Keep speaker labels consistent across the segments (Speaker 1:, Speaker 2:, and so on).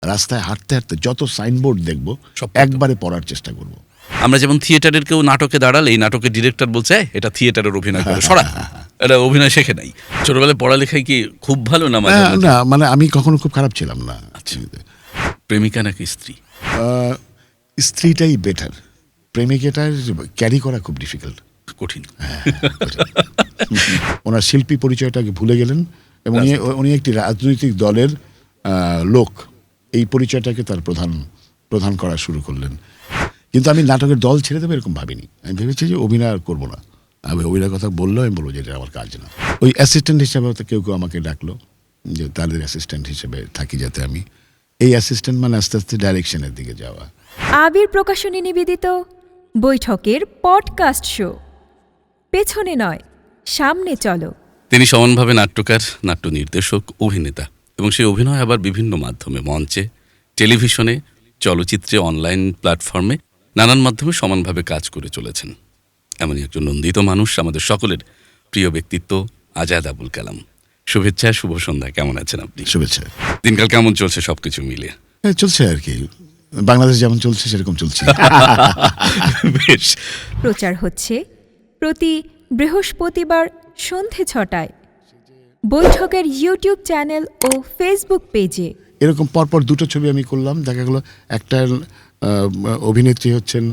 Speaker 1: রাস্তায় হাঁটতে হাঁটতে যত সাইনবোর্ড দেখব একবারে পড়ার চেষ্টা করব।
Speaker 2: আমরা যেমন থিয়েটারের কেউ নাটকে দাঁড়ালে এই নাটকের ডিরেক্টর বলছে এটা থিয়েটারের অভিনয় করে সরা, এটা অভিনয় শেখে নাই। ছোটবেলায় পড়ালেখায় কি খুব ভালো না?
Speaker 1: না মানে আমি কখনো খুব খারাপ ছিলাম না।
Speaker 2: আচ্ছা, প্রেমিকা নাকি স্ত্রী?
Speaker 1: স্ত্রীটাই বেটার, প্রেমিকাটা ক্যারি করা খুব ডিফিকাল্ট,
Speaker 2: কঠিন।
Speaker 1: ওনার শিল্পী পরিচয়টাকে ভুলে গেলেন এবং উনি একটি রাজনৈতিক দলের লোক, এই পরিচয়টাকে তার প্রধান করা শুরু করলেন। কিন্তু আমি নাটকের দল ছেড়ে দেবো এরকম ভাবিনি। আমি ভেবেছি যে অভিনয় আর করবো না। আমি অভিনয়ের কথা বললেও আমি বলবো যে এটা আমার কাজ না। ওই অ্যাসিস্ট্যান্ট হিসেবে কেউ আমাকে ডাকলো যে তাদের অ্যাসিস্ট্যান্ট হিসেবে থাকি, যাতে আমি এই অ্যাসিস্ট্যান্ট মানে আস্তে আস্তে ডাইরেকশনের দিকে যাওয়া।
Speaker 3: আবির প্রকাশনী নিবেদিত বৈঠকের পডকাস্ট শো পেছনে নয় সামনে চলো।
Speaker 2: তিনি সমানভাবে নাট্যকার, নাট্য নির্দেশক, অভিনেতা এবং সেই অভিনয় আবার বিভিন্ন মাধ্যমে, মঞ্চে, টেলিভিশনে, চলচ্চিত্রে, অনলাইন প্ল্যাটফর্মে নানান মাধ্যমে সমানভাবে কাজ করে চলেছেন। এমনই একজন নন্দিত মানুষ, আমাদের সকলের প্রিয় ব্যক্তিত্ব আজাদ আবুল কালাম। শুভেচ্ছা, শুভ সন্ধ্যা। কেমন আছেন আপনি?
Speaker 1: শুভেচ্ছা।
Speaker 2: দিনকাল কেমন চলছে সবকিছু মিলিয়ে?
Speaker 1: চলছে আর কি, বাংলাদেশ যেমন চলছে সেরকম চলছে।
Speaker 2: বেশ।
Speaker 3: প্রচার হচ্ছে প্রতি বৃহস্পতিবার সন্ধে 6টায় বৈঠকের ইউটিউব চ্যানেল ও ফেসবুক পেজে।
Speaker 1: এরকম পরপর দুটো ছবি আমি করলাম, দেখা গেলো একটা অভিনেত্রী হচ্ছেন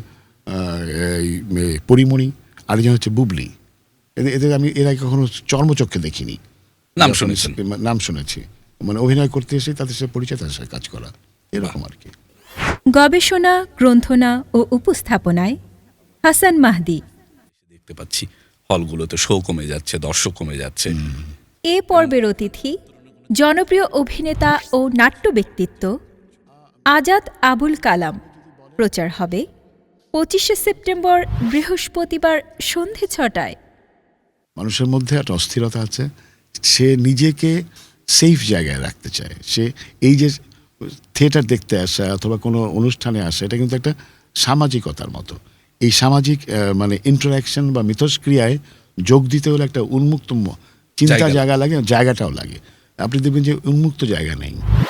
Speaker 1: পরিমণি, আরেকজন হচ্ছে বুবলি। এদের আমি এর আগে কখনো চর্মচক্ষে দেখিনি। নাম শুনেছি, মানে অভিনয় করতে এসে তাদের সাথে পরিচয়, তাদের সাথে কাজ করা, এরকম আর কি।
Speaker 3: গবেষণা, গ্রন্থনা ও উপস্থাপনায় হাসান মাহদি।
Speaker 2: দেখতে পাচ্ছি হলগুলোতে শো কমে যাচ্ছে, দর্শক কমে যাচ্ছে।
Speaker 3: এ পর্বের অতিথি জনপ্রিয় অভিনেতা ও নাট্য ব্যক্তিত্ব আজাদ আবুল কালাম। প্রচার হবে 25শে সেপ্টেম্বর বৃহস্পতিবার সন্ধে 6টায়।
Speaker 1: মানুষের মধ্যে একটা অস্থিরতা আছে, সে নিজেকে সেফ জায়গায় রাখতে চায়। সে এই যে থিয়েটার দেখতে আসা অথবা কোনো অনুষ্ঠানে আসা, এটা কিন্তু একটা সামাজিকতার মতো। এই সামাজিক মানে ইন্টারাকশন বা মিথস্ক্রিয়ায় যোগ দিতে হলে একটা উন্মুক্ত চিন্তা জায়গা লাগে, জায়গাটাও লাগে। আপনি দেখবেন যে উন্মুক্ত জায়গা নেই।